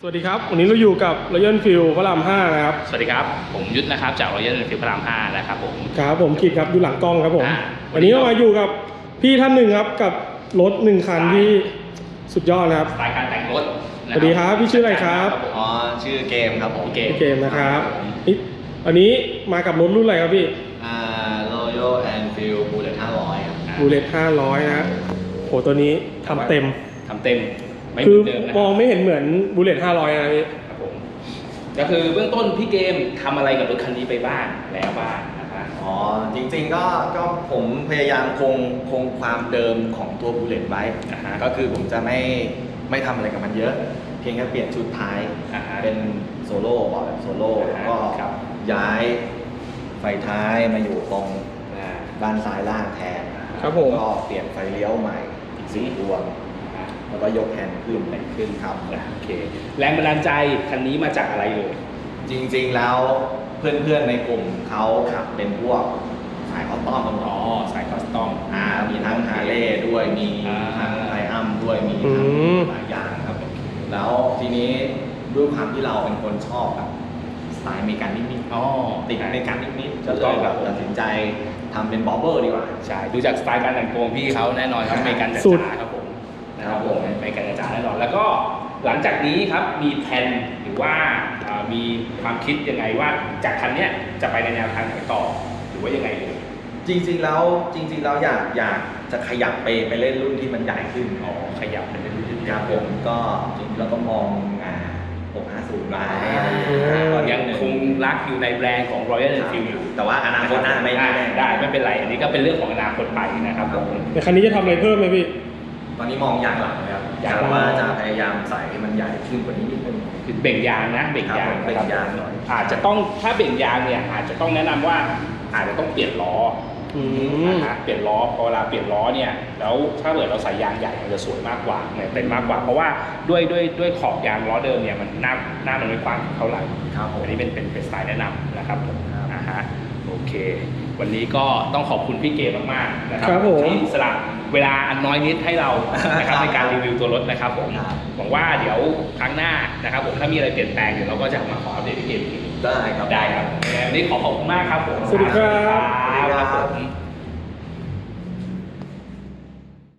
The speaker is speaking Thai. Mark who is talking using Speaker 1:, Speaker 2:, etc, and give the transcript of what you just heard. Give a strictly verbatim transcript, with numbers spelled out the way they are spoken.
Speaker 1: สวัสดีครับวันนี้เราอยู่กับ Royal Enfield พระรามห้านะครับ
Speaker 2: สวัสดีครับผมยุทธนะครับจาก Royal Enfield พระรามห้านะครับผม
Speaker 1: ครับผมกิตครับอยู่หลังกล้องครับผม
Speaker 2: อ่า
Speaker 1: วันนี้เรามาอยู่กับพี่ท่านหนึ่งครับกับรถหนึ่งคันที่สุดยอดนะครับ
Speaker 2: สไตล์การแต่งรถ
Speaker 1: สวัสดีครับพี่ชื่ออะไรครับ
Speaker 3: อ๋อชื่อเกมครับผม
Speaker 2: เกม
Speaker 1: พี่เกมนะครับนี่วันนี้มากับรถรุ่นอะไรครับพี่
Speaker 3: อ่า Royal Enfield Bullet ห้าร้อยครับ
Speaker 1: บูเลตห้าร้อยนะโหตัวนี้ทำเต็ม
Speaker 2: ทำเต็มไม่เห
Speaker 1: คื
Speaker 2: มื
Speaker 1: อ
Speaker 2: อนเดิมนะ
Speaker 1: มองไม่เห็นเหมือนบูเลตห้าร้อยนะพี่
Speaker 2: ครับผมก็คือเบื้องต้นพี่เกมทำอะไรกับรถคันนี้ไปบ้างแล้วบ้างนะครับ
Speaker 3: อ๋อจริงๆก็ก็ผมพยายามคงคงความเดิมของตัว Bullet ไว้
Speaker 2: อ่าฮะ
Speaker 3: ก็คือผมจะไม่ไม่ทำอะไรกับมันเยอะ เพียงแค่เปลี่ยนชุดท้าย
Speaker 2: อ่าฮะ
Speaker 3: เป็นโซโล่บอร์ดแบบโซโล่
Speaker 2: อ่า
Speaker 3: แล้ว
Speaker 2: ฮะ
Speaker 3: ก็
Speaker 2: ครับ
Speaker 3: ย้ายไฟท้ายมาอยู่ตรง
Speaker 2: อ่า
Speaker 3: ด้านซ้ายล่างแทน
Speaker 1: ครับผม
Speaker 3: ก็เปลี่ยนไฟเลี้ยวใหม่อีกสี่ดวงแล้วก็ยกแฮนด์ขึ้น
Speaker 2: แต่งขึ้น
Speaker 3: ครับ
Speaker 2: นะโอเคแรงบันดาลใจคันนี้มาจากอะไรเลย
Speaker 3: จริงๆแล้วเพื่อนๆในกลุ่มเขาขับเป็นพวกสายคอสตอมกันหม
Speaker 2: อ๋อ
Speaker 3: ด
Speaker 2: สายคอสตอม
Speaker 3: อ่ามีทั้งฮาร์เลย์ด้วยมี
Speaker 2: อ่า
Speaker 3: ทั้งไทอัมด้วยมี
Speaker 1: อื
Speaker 3: ทั้ง
Speaker 1: ม
Speaker 3: หลายอย่างครับแล้วทีนี้ด้วยความที่เราเป็นคนชอบแบบสไตล์อเมริกันนิด
Speaker 2: อ๋อ
Speaker 3: ๆติดอเมริกันนิดๆ
Speaker 2: ถู
Speaker 3: ก็
Speaker 2: ก
Speaker 3: เล
Speaker 2: ต้อง
Speaker 3: ย
Speaker 2: ค
Speaker 3: แบ
Speaker 2: รับบ
Speaker 3: ตัดสินใจทำเป็นบอบเบอร์ดีกว่า
Speaker 2: ใช่ดูจากสไตล์การแต่งตัวของพี่เขาแน่นอนครับอเมริกันจ๋
Speaker 1: สุด
Speaker 2: าๆครับผมนะค
Speaker 3: ครั
Speaker 2: รับบ ผ
Speaker 3: ผม ม
Speaker 2: อเมริกันจ๋าๆแน่นอนแล้วก็หลังจากนี้ครับมีแผนหรือว่าอ่ามีความคิดยังไงว่าจากคันเนี้ยจะไปในแนวทางไหนต่อหรือว่ายังไงเลย
Speaker 3: จริงๆแล้วจริงๆแล้วอยากอยากจะขยับไปไปเล่นรุ่นที่มันใหญ่ขึ้น
Speaker 2: อ๋อขยับไปเป็นรุ่นที่
Speaker 3: ครับผมก็จริงๆแล้วก็มองอ่าหกห้าศูนย์ไว้อะไรอย่าง
Speaker 1: อื
Speaker 3: เงี้ย
Speaker 1: ม
Speaker 3: ก็
Speaker 2: ยังคงรักอยู่ในแบรนด์ของ Royal Enfield อยู่
Speaker 3: แต่ว่าอนาคตหน้าไม่
Speaker 2: ได้
Speaker 3: แน่
Speaker 2: ได้ไม่เป็นไร อันนี้ก็เป็นเรื่องของอนาคตไปนะครับผม
Speaker 1: ในคันนี้จะทำอะไรเพิ่มไหมพี่
Speaker 3: ตอนนี้มองยางหลังนะครับ
Speaker 2: ยาง
Speaker 3: กะ
Speaker 2: หลัง
Speaker 3: ว่าจะพยายามใส่ให้มันใหญ่ขึ้นกว่านี้นิดนึง
Speaker 2: คือเบ่งยางนะเบ่งยาง
Speaker 3: ครับผมเบ่งยางหน่อย
Speaker 2: อาจจะต้องถ้าเบ่งยางเนี่ยอาจจะต้องแนะนำว่าอาจจะต้องเปลี่ยนล้อ
Speaker 1: อืม
Speaker 2: นะฮะเปลี่ยนล้อพอเวลาเปลี่ยนล้อเนี่ยแล้วถ้าเกิดเราใส่ยางใหญ่มันจะสวยมากกว่าเนี่ยเป็นมากกว่า เพราะว่าด้วยด้วยด้วยขอบยางล้อเดิมเนี่ยมันหน้าหน้ามันไม่กว้างเท่าไหร่
Speaker 3: ครับผม
Speaker 2: อันนี้เป็นเป็นเป็นสไตล์แนะนำนะครับผม
Speaker 3: ครับ
Speaker 2: อ่าฮะโอเค วันนี้ก็ต้องขอบคุณพี่เก๋มากๆนะครั
Speaker 1: ครับผม
Speaker 2: ที่สละเวลาอันน้อยนิดให้เรานะครับในการรีวิวตัวรถนะครับผม
Speaker 3: ครับ
Speaker 2: หวังว่าเดี๋ยวครั้งหน้านะครับผมถ้ามีอะไรเปลี่ยนแปลงเดี๋ยวเราก็จะมาขออัปเดตพี่เก๋อีกที
Speaker 3: ได้ครับ
Speaker 2: ได้ครับวันนี้ขอขอบคุณมากครับผม
Speaker 1: สวัสดีครับ
Speaker 2: สวัสดีครับผม